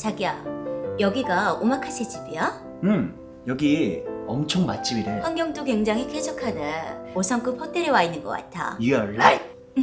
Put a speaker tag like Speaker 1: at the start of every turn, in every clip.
Speaker 1: 자기야, 여기가 오마카세 집이야?
Speaker 2: 여기 엄청 맛집이래.
Speaker 1: 환경도 굉장히 쾌적하네. 5성급 호텔에 와 있는 것 같아.
Speaker 2: You're right.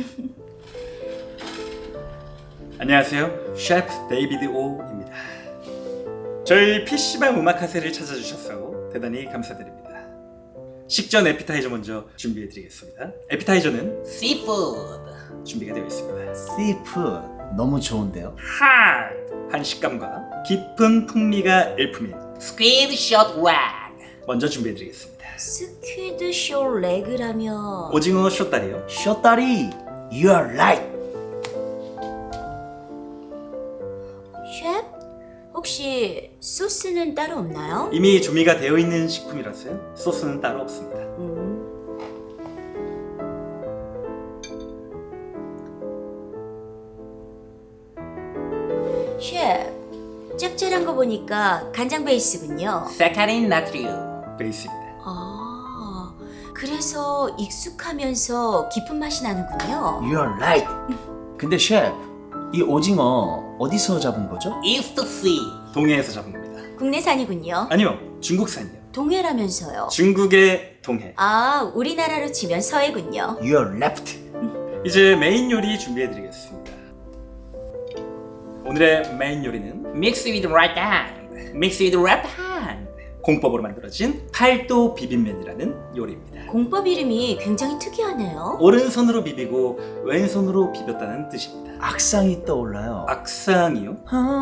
Speaker 3: 안녕하세요. 셰프 데이비드 오입니다. 저희 PC방 오마카세를 찾아주셔서 대단히 감사드립니다. 식전 에피타이저 먼저 준비해드리겠습니다. 에피타이저는 씨푸드 준비가 되어 있습니다.
Speaker 2: Seafood 너무 좋은데요?
Speaker 3: 한 식감과 깊은 풍미가 일품인 스퀴드 숏 렉 먼저 준비해드리겠습니다.
Speaker 1: 스퀴드 쇼 레그라면
Speaker 3: 오징어 숏다리요.
Speaker 2: 쇼다리. You're right.
Speaker 1: 셰프? 혹시 소스는 따로 없나요?
Speaker 3: 이미 조미가 되어 있는 식품이라서요. 소스는 따로 없습니다.
Speaker 1: 셰프, 짭짤한 거 보니까 간장 베이스군요.
Speaker 3: 사카린 나트륨 베이스입니다.
Speaker 1: 아, 그래서 익숙하면서 깊은 맛이 나는군요.
Speaker 2: You're right. 근데 셰프, 이 오징어 어디서 잡은 거죠?
Speaker 3: 이스트시 동해에서 잡은 겁니다.
Speaker 1: 국내산이군요.
Speaker 3: 아니요, 중국산이요.
Speaker 1: 동해라면서요.
Speaker 3: 중국의 동해.
Speaker 1: 아, 우리나라로 치면 서해군요.
Speaker 2: You're left.
Speaker 3: 이제 메인 요리 준비해드리겠습니다. 오늘의 메인 요리는 Mix with right hand, Mix with left hand 공법으로 만들어진 팔도 비빔면이라는 요리입니다.
Speaker 1: 공법 이름이 굉장히 특이하네요.
Speaker 3: 오른손으로 비비고 왼손으로 비볐다는 뜻입니다.
Speaker 2: 악상이 떠올라요.
Speaker 3: 악상이요?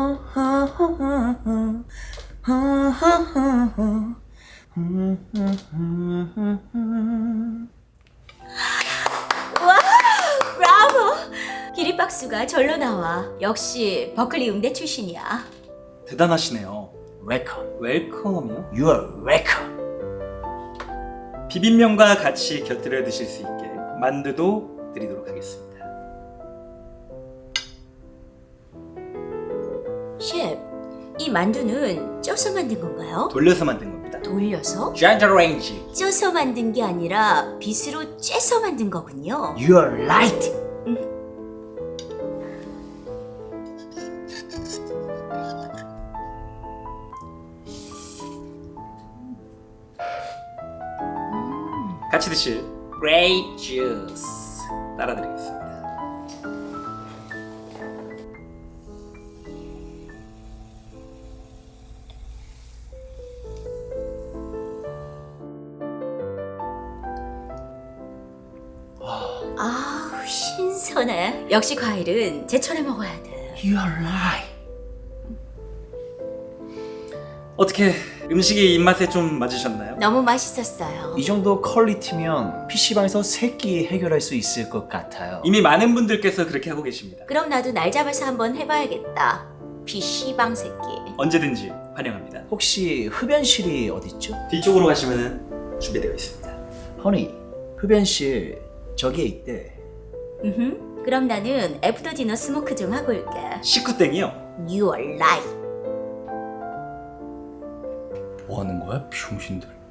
Speaker 1: 와, 브라보! 기립박수가 절로 나와. 역시 버클리 음대 출신이야.
Speaker 3: 대단하시네요.
Speaker 2: Welcome.
Speaker 3: 웰컴이요?
Speaker 2: You're welcome.
Speaker 3: 비빔면과 같이 곁들여 드실 수 있게 만두도 드리도록 하겠습니다.
Speaker 1: 셰프, 이 만두는 쪄서 만든 건가요?
Speaker 3: 돌려서 만든 겁니다.
Speaker 1: 돌려서?
Speaker 3: 젠더레인지
Speaker 1: 쪄서 만든 게 아니라 빗으로 째서 만든 거군요.
Speaker 2: You're right.
Speaker 3: 같이 드실 그레이프 주스 따라드리겠습니다.
Speaker 1: 아우, 신선해. 역시 과일은 제철에 먹어야 돼.
Speaker 2: You're right.
Speaker 3: 어떻게 음식이 입맛에 좀 맞으셨나요?
Speaker 1: 너무 맛있었어요.
Speaker 2: 이 정도 퀄리티면 PC방에서 3끼 해결할 수 있을 것 같아요.
Speaker 3: 이미 많은 분들께서 그렇게 하고 계십니다.
Speaker 1: 그럼 나도 날 잡아서 한번 해봐야겠다. PC방 새끼.
Speaker 3: 언제든지 환영합니다.
Speaker 2: 혹시 흡연실이 어딨죠?
Speaker 3: 뒤쪽으로 가시면 준비되어 있습니다.
Speaker 2: 허니, 흡연실 저기에 있대.
Speaker 1: 그럼 나는 애프터 디너 스모크 좀 하고 올게.
Speaker 3: 식구땡이요.
Speaker 1: You are right.
Speaker 3: 뭐 하는 거야, 병신들?